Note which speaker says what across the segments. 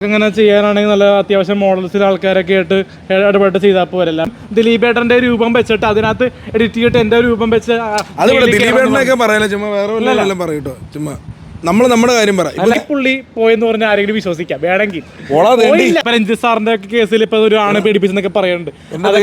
Speaker 1: അങ്ങനെ ചെയ്യാനാണെങ്കിൽ നല്ല അത്യാവശ്യം മോഡൽസിൽ ആൾക്കാരൊക്കെ ആയിട്ട് ഇടപെട്ട് ചെയ്താൽ പോരല്ല. ദിലീപേട്ടന്റെ രൂപം വെച്ചിട്ട് അതിനകത്ത് എഡിറ്റ് ചെയ്തിട്ട് എന്റെ രൂപം വെച്ച്
Speaker 2: ദിലീപേട്ടനൊക്കെ പറയാനോ ചുമ്മാ വേറെ വല്ലതും പറയൂട്ടോ. ചുമ്മാ നമ്മുടെ കാര്യം പറയാം.
Speaker 1: പുള്ളി പോയെന്ന് പറഞ്ഞാൽ ആരെങ്കിലും വിശ്വസിക്കാം വേണമെങ്കിൽ. രഞ്ജിത്ത് സാറിന്റെ ഒക്കെ കേസിൽ ഇപ്പൊ ഒരു ആണ് പീഡിപ്പിച്ചെന്നൊക്കെ പറയുന്നുണ്ട്.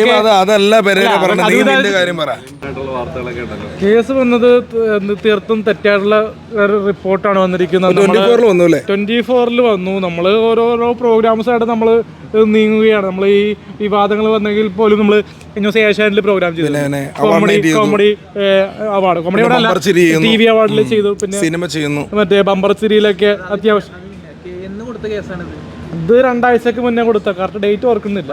Speaker 1: കേസ് വന്നത് തീർത്തും തെറ്റായിട്ടുള്ള റിപ്പോർട്ടാണ് വന്നിരിക്കുന്നത്. 24-ൽ വന്നു. നമ്മള് ഓരോരോ പ്രോഗ്രാംസ് ആയിട്ട് നമ്മള് നീങ്ങുകയാണ്. നമ്മൾ ഈ വിവാദങ്ങൾ വന്നെങ്കിൽ പോലും നമ്മൾ ഏഷ്യാനെറ്റിൽ പ്രോഗ്രാം ചെയ്തു, comedy award, comedy award TV അവാർഡിൽ ചെയ്തു, പിന്നെ
Speaker 2: സിനിമ ചെയ്യുന്നു,
Speaker 1: മറ്റേ ബമ്പർ സിരിയിലൊക്കെ അത്യാവശ്യം. ഇത് 2 ആഴ്ചക്ക് മുന്നേ കൊടുത്ത കറക്റ്റ് ഡേറ്റ് ഓർക്കുന്നില്ല.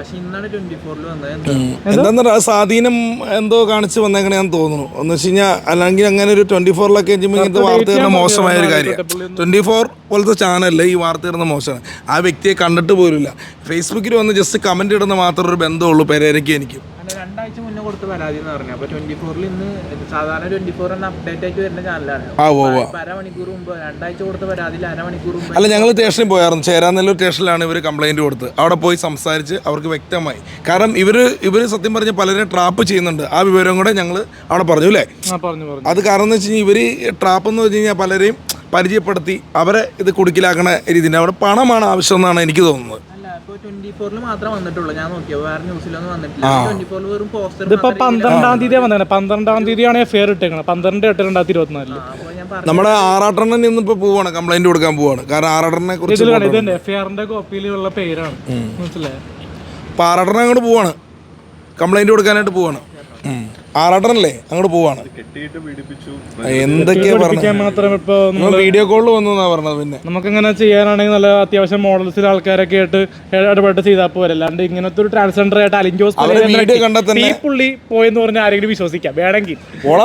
Speaker 2: എന്താ സ്വാധീനം എന്തോ കാണിച്ച് വന്നേക്കണെന്ന് തോന്നുന്നു. എന്ന് വെച്ച് കഴിഞ്ഞാൽ അല്ലെങ്കിൽ അങ്ങനെ ഒരു 24-ലൊക്കെ ഇങ്ങനത്തെ വാർത്ത തരുന്ന മോശമായ ഒരു കാര്യം. 24 പോലത്തെ ചാനലിൽ ഈ വാർത്ത തരുന്ന മോശമാണ്. ആ വ്യക്തിയെ കണ്ടിട്ട് പോലുമില്ല. ഫേസ്ബുക്കിൽ വന്ന് ജസ്റ്റ് കമന്റ് ഇടുന്ന മാത്രം ഒരു ബന്ധമുള്ളൂ പെരേരയ്ക്ക് എനിക്ക്.
Speaker 3: 2 ആഴ്ച മുന്നേ കൊടുത്ത പരാതി എന്ന് പറഞ്ഞു. അപ്പൊ 24-ൽ ഇന്ന് സാധാരണ 24 അപ്ഡേറ്റ് ആയിട്ട് വരുന്ന ചാനലാണ്. അരമണിക്കൂർ മുമ്പ് 2 ആഴ്ച കൊടുത്ത പരാതിയിൽ അരമണിക്കൂർ മുമ്പ്.
Speaker 2: അല്ല, ഞങ്ങൾ സ്റ്റേഷനിൽ പോയായിരുന്നു. ചേരാനെല്ലൂർ സ്റ്റേഷനിലാണ് ഇവർ കംപ്ലൈന്റ് കൊടുത്ത്. അവിടെ പോയി സംസാരിച്ച് അവർക്ക് വ്യക്തമായി. കാരണം ഇവർ സത്യം പറഞ്ഞ പലരെ ട്രാപ്പ് ചെയ്യുന്നുണ്ട്. ആ വിവരം കൂടെ ഞങ്ങൾ അവിടെ പറഞ്ഞു അല്ലേ. അത് കാരണം എന്ന് വെച്ച് കഴിഞ്ഞാൽ ഇവർ ട്രാപ്പ് എന്ന് വെച്ച് കഴിഞ്ഞാൽ പലരെയും പരിചയപ്പെടുത്തി അവരെ ഇത് കുടുക്കിലാക്കണ രീതിയിൽ അവിടെ പണമാണ് ആവശ്യം എന്നാണ് എനിക്ക് തോന്നുന്നത്.
Speaker 3: 24-ൽ മാത്രമേ വന്നിട്ടുള്ളൂ. ഞാൻ നോക്കിയോ, വേറെ ന്യൂസിലൊന്നും വന്നിട്ടില്ല. 24-ൽ വെറും പോസ്റ്റർ.
Speaker 1: ഇതിപ്പോ 12-ാം തീയതി വന്നത്. 12-ാം തീയതിയാണ് ഫെയർ ഇട്ടേക്കുന്നത്. 12/8/2024.
Speaker 2: നമ്മുടെ ആറാട്ടണ്ണൻ ഇന്നിപ്പോ പോവാണ്, കംപ്ലൈന്റ് കൊടുക്കാൻ പോവാണ്. കാരണം ആറാട്ടണ്ണനെ കുറിച്ച്
Speaker 1: എഫ്ഐആറിന്റെ കോപ്പിയിലുള്ള പേരാണ്, മനസ്സിലായോ?
Speaker 2: അപ്പൊ ആറാട്ടണ്ണൻ അങ്ങോട്ട് പോവാണ്, കംപ്ലൈന്റ് കൊടുക്കാനായിട്ട് പോവാണ്. ആറാട്ടനല്ലേ അങ്ങോട്ട് പോവാണ്. എന്തൊക്കെയാ പറഞ്ഞത്? വീഡിയോ കോളിൽ വന്നു എന്നാ പറഞ്ഞത്. പിന്നെ
Speaker 1: നമുക്കങ്ങനെ ചെയ്യാനാണെങ്കിൽ നല്ല അത്യാവശ്യം മോഡൽസിൽ ആൾക്കാരൊക്കെ ആയിട്ട് ഇടപെട്ട് ചെയ്താൽ പോരല്ല. അല്ലാണ്ട് ഇങ്ങനത്തെ ഒരു ട്രാൻസ്ജെൻഡർ ആയിട്ട് അലിഞ്ചോസ് പുള്ളി പോയെന്ന് പറഞ്ഞാൽ ആരെങ്കിലും വിശ്വസിക്കാം വേണമെങ്കിൽ.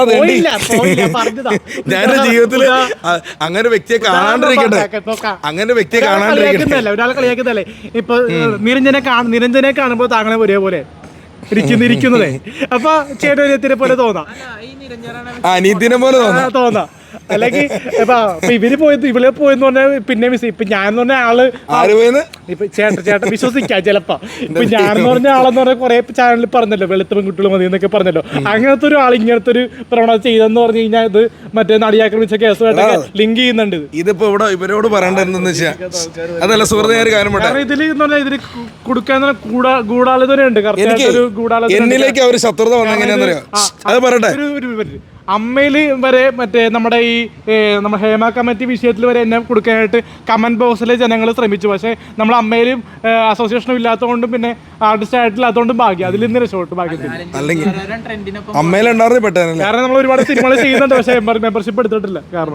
Speaker 2: ഞാൻ ജീവിതത്തിൽ അങ്ങനെ വ്യക്തിയെ കാണാണ്ടിരിക്കട്ടെ, അങ്ങനെ വ്യക്തിയെ കാണാണ്ടിരിക്കട്ടെ.
Speaker 1: ഒരാളെ കളിയാക്കുന്നല്ലേ. ഇപ്പൊ നിരഞ്ജനെ കാണുമ്പോൾ താങ്കളെ ഒരേപോലെ ഇരിക്കുന്നതേ. അപ്പൊ ചേട്ടനെ പോലെ തോന്നാം,
Speaker 2: അനീതിനെ പോലെ
Speaker 1: തോന്നാം. അല്ലെങ്കിൽ ഇവര് പോയത് ഇവളെ പോയെന്ന് പറഞ്ഞാൽ പിന്നെ ഇപ്പൊ ഞാൻ പറഞ്ഞ ആള് ഇപ്പൊ ചേട്ടൻ വിശ്വസിക്കാം ചിലപ്പോ. ഇപ്പൊ ഞാനെന്ന് പറഞ്ഞ ആളെന്ന് പറഞ്ഞാൽ കുറെ ചാനലിൽ പറഞ്ഞല്ലോ വെളുത്ത പെൺകുട്ടികൾ മതി എന്നൊക്കെ പറഞ്ഞല്ലോ. അങ്ങനത്തെ ഒരു ആൾ ഇങ്ങനത്തെ ഒരു പ്രവണത ചെയ്തെന്ന് പറഞ്ഞു കഴിഞ്ഞാൽ ഇത് മറ്റേ നടിയാക്രമിച്ച കേസുമായിട്ടൊക്കെ ലിങ്ക് ചെയ്യുന്നുണ്ട്.
Speaker 2: ഇതിപ്പോ ഇവിടെ ഇവരോട് പറയേണ്ടതെന്ന് വെച്ചാൽ അതല്ല സുഹൃത്തുക്ക കാര്യം.
Speaker 1: ഇതിൽ എന്ന് പറഞ്ഞാൽ ഇതിൽ കൊടുക്കാൻ ഗൂഢാലോചനയുണ്ട്.
Speaker 2: എന്നിലേക്ക് അവർ ശത്രുത വന്നെങ്ങനെയാണെന്നറിയോ? അത് പറയട്ടെ.
Speaker 1: അമ്മയില് വരെ മറ്റേ നമ്മുടെ ഈ നമ്മുടെ ഹേമ കമ്മിറ്റി വിഷയത്തിൽ വരെ എന്നെ കൊടുക്കാനായിട്ട് കമന്റ് ബോക്സിലെ ജനങ്ങൾ ശ്രമിച്ചു. പക്ഷേ നമ്മൾ അമ്മയിലും അസോസിയേഷനും ഇല്ലാത്തതുകൊണ്ടും പിന്നെ ആർട്ടിസ്റ്റ് ആയിട്ടില്ലാത്തതുകൊണ്ടും ഭാഗ്യം അതിൽ നിന്ന് രക്ഷപ്പെട്ടു. ഭാഗ്യത്തിൽ കാരണം നമ്മൾ ഒരുപാട് സിനിമകൾ ചെയ്യുന്നുണ്ട്, പക്ഷേ മെമ്പർഷിപ്പ് എടുത്തിട്ടില്ല. കാരണം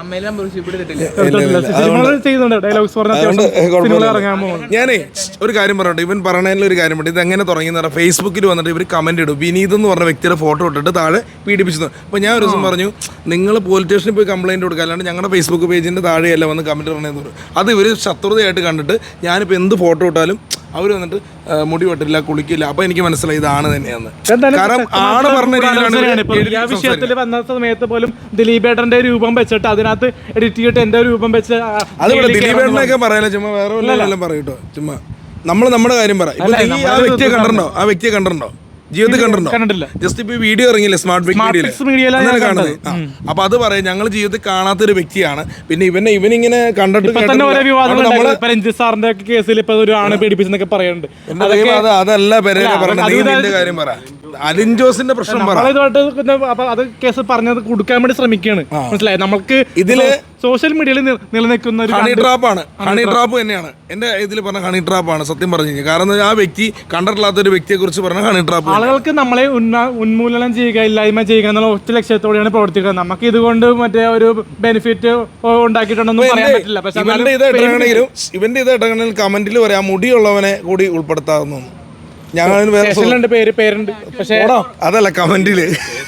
Speaker 1: സിനിമകൾ ചെയ്യുന്നുണ്ട്, ഡയലോഗ്സ് പറഞ്ഞ ഇറങ്ങാൻ പോകുന്നു.
Speaker 2: ഞാനേ ഒരു കാര്യം പറയട്ടെ. ഇവൻ പറഞ്ഞതിൽ ഒരു കാര്യം പറയും. ഇത് എങ്ങനെ തുടങ്ങിയെന്ന് പറഞ്ഞാൽ ഫേസ്ബുക്കിൽ വന്നിട്ട് ഇവർ കമന്റ് ഇടും. വിനീത് എന്ന് പറഞ്ഞ വ്യക്തിയുടെ ഫോട്ടോ ഇട്ടിട്ട് താഴെ പീഡിപ്പിച്ചു. അപ്പോൾ ഞാൻ ഒരു ദിവസം പറഞ്ഞു, നിങ്ങൾ പോലീസ് സ്റ്റേഷനിൽ പോയി കംപ്ലയിൻറ്റ് കൊടുക്കുക, അല്ലാണ്ട് ഞങ്ങളുടെ ഫേസ്ബുക്ക് പേജിൻ്റെ താഴെയല്ല വന്ന് കമൻറ്റ് പറഞ്ഞതെന്ന് പറയും. അത് ഇവർ ശത്രുതയായിട്ട് കണ്ടിട്ട് ഞാനിപ്പോൾ എന്ത് ഫോട്ടോ ഇട്ടാലും അവർ വന്നിട്ട് മുടി വെട്ടില്ല, കുളിക്കില്ല. അപ്പോൾ എനിക്ക് മനസ്സിലായി ഇതാണ് തന്നെയാണ്. കാരണം ആണ് പറഞ്ഞ രീതിയിലാണ്.
Speaker 1: വിഷയത്തിൽ വന്ന സമയത്ത് പോലും ദിലീപേട്ടന്റെ രൂപം വെച്ചിട്ട് അതിനകത്ത് എഡിറ്റ് ചെയ്തിട്ട് എന്റെ രൂപം വെച്ച്
Speaker 2: അതുപോലെ ദിലീപേട്ടനൊക്കെ പറയാനോ ചുമ്മാ വേറെ വല്ലതും പറയൂട്ടോ. ചുമ്മാ നമ്മുടെ കാര്യം പറ. ആ വ്യക്തിയെ കണ്ടിട്ടുണ്ടോ? ജീവിതത്തിൽ കണ്ടിട്ടുണ്ടോ? ജസ്റ്റ് ഇപ്പൊ വീഡിയോ ഇറങ്ങിയില്ലേ സ്മാർട്ട് മീഡിയയിൽ കാണുന്നത്. അപ്പൊ അത് പറയാം, ഞങ്ങൾ ജീവിതത്തിൽ കാണാത്തൊരു വ്യക്തിയാണ്. പിന്നെ ഇവനിങ്ങനെ കണ്ടിട്ട്
Speaker 1: രഞ്ജിത്ത് സാറിന്റെ കേസിൽ ഇപ്പൊ ഒരു ആണ് പീഡിപ്പിച്ചെന്നൊക്കെ പറയുന്നുണ്ട്.
Speaker 2: അതല്ല പെരേര പറഞ്ഞ കാര്യം പറ. അലിൻജോസിന്റെ പ്രശ്നം പറ.
Speaker 1: അത് കേസ് പറഞ്ഞത് കൊടുക്കാൻ വേണ്ടി ശ്രമിക്കുകയാണ്, മനസ്സിലായി? നമുക്ക് ഇതില് സോഷ്യൽ മീഡിയയിൽ നിലനിൽക്കുന്ന ഒരു
Speaker 2: ഹണി ട്രാപ്പ് തന്നെയാണ്. എന്റെ ഇതിൽ പറഞ്ഞ ഹണി ട്രാപ്പാണ് സത്യം പറഞ്ഞു കഴിഞ്ഞാൽ. കാരണം ആ വ്യക്തി കണ്ടിട്ടില്ലാത്ത ഒരു വ്യക്തിയെ കുറിച്ച് പറഞ്ഞ ഹണി ട്രാപ്പ്.
Speaker 1: ആളുകൾക്ക് നമ്മളെ ഉന്മൂലനം ചെയ്യുക, ഇല്ലായ്മ ചെയ്യുക എന്നുള്ള ഒറ്റ ലക്ഷ്യത്തോടെയാണ് പ്രവർത്തിക്കുന്നത്. നമുക്ക് ഇതുകൊണ്ട് മറ്റേ ഒരു ബെനിഫിറ്റ് ഉണ്ടാക്കിയിട്ടുണ്ടെന്നും പറയാൻ പറ്റില്ല. പക്ഷേ
Speaker 2: ഇവന്റെ ഇതായിട്ടാണെങ്കിൽ കമന്റിൽ പറയാം മുടിയുള്ളവനെ കൂടി ഉൾപ്പെടുത്താവുന്നു.
Speaker 1: പേരുണ്ട്, പക്ഷേ
Speaker 2: അതല്ല കമന്റില്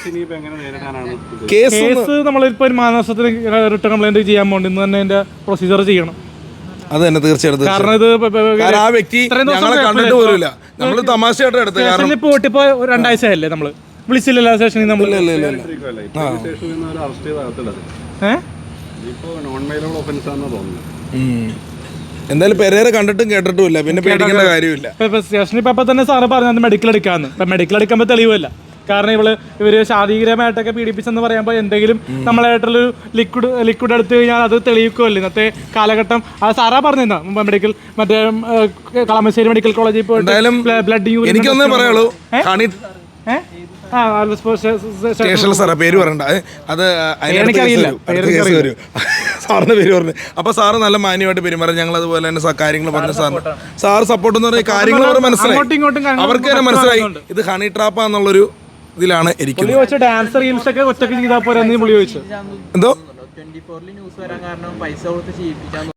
Speaker 1: കേസ് നമ്മളിപ്പോ ഒരു മാനസത്തിന് റിട്ടേൺ കംപ്ലൈന്റ് ചെയ്യാൻ പോകണ്ട. ഇന്ന് തന്നെ അതിന്റെ പ്രൊസീജിയർ ചെയ്യണം.
Speaker 2: അത് തന്നെ തീർച്ചയായിട്ടും.
Speaker 1: കാരണം ഇത്
Speaker 2: ആ വ്യക്തി ഞങ്ങളെ കണ്ടിട്ട് പോലില്ല. നമ്മള് തമാശയായിട്ട് എടുത്തത്. കാരണം
Speaker 1: പോയിട്ടിപ്പോ 2 ആഴ്ചയല്ലേ നമ്മള് വിളിച്ചില്ലല്ലോ സ്റ്റേഷനിൽ. നമ്മൾ
Speaker 2: എന്തായാലും പെരേര കണ്ടിട്ടും കേട്ടിട്ടും ഇല്ല, പിന്നെ പേടിക്കേണ്ട കാര്യമില്ല.
Speaker 1: ഇപ്പൊ സ്റ്റേഷനിൽ ഇപ്പൊ തന്നെ സാറ് പറഞ്ഞത് മെഡിക്കൽ എടുക്കാന്ന്. ഇപ്പൊ മെഡിക്കൽ എടുക്കുമ്പോൾ തെളിവല്ല. കാരണം ഇവര് ശാരീരികമായിട്ടൊക്കെ പീഡിപ്പിച്ചെന്ന് പറയുമ്പോൾ എന്തെങ്കിലും നമ്മളായിട്ടുള്ളൊരു ലിക്വിഡ് എടുത്തു കഴിഞ്ഞാൽ അത് തെളിയിക്കുമല്ലോ ഇന്നത്തെ കാലഘട്ടം. അത് സാറാ പറഞ്ഞിരുന്ന മെഡിക്കൽ മറ്റേ കളമശ്ശേരി മെഡിക്കൽ കോളേജിൽ പോയിട്ട് ബ്ലഡ്
Speaker 2: എനിക്കൊന്നേ പറയുള്ളൂ, സ്റ്റേഷനിൽ സാറേ പേര് പറയണ്ട, അത് കേസ് വരും. സാറിന്റെ പേര് പറഞ്ഞു. അപ്പൊ സാറ് നല്ല മാന്യമായിട്ട് പെരുമാറി. ഞങ്ങൾ അതുപോലെ തന്നെ കാര്യങ്ങൾ പറഞ്ഞു. സാർ സപ്പോർട്ട് എന്ന് പറഞ്ഞ കാര്യങ്ങൾ മനസ്സിലായി, അവർക്ക് തന്നെ മനസ്സിലായി ഇത് ഹണി ട്രാപ്പാന്നുള്ളൊരു ഇതിലാണ് ഇരിക്കുന്നത്.
Speaker 1: ഡാൻസ് റീൽസ് ഒക്കെ ഒറ്റയ്ക്ക് ചെയ്താൽ പോരാ എന്ന് പുള്ളി ചോദിച്ചു.
Speaker 2: എന്തോ
Speaker 3: 24 ന്യൂസ് വരാൻ കാരണം പൈസ കൊടുത്ത് ചെയ്യിപ്പിക്കാൻ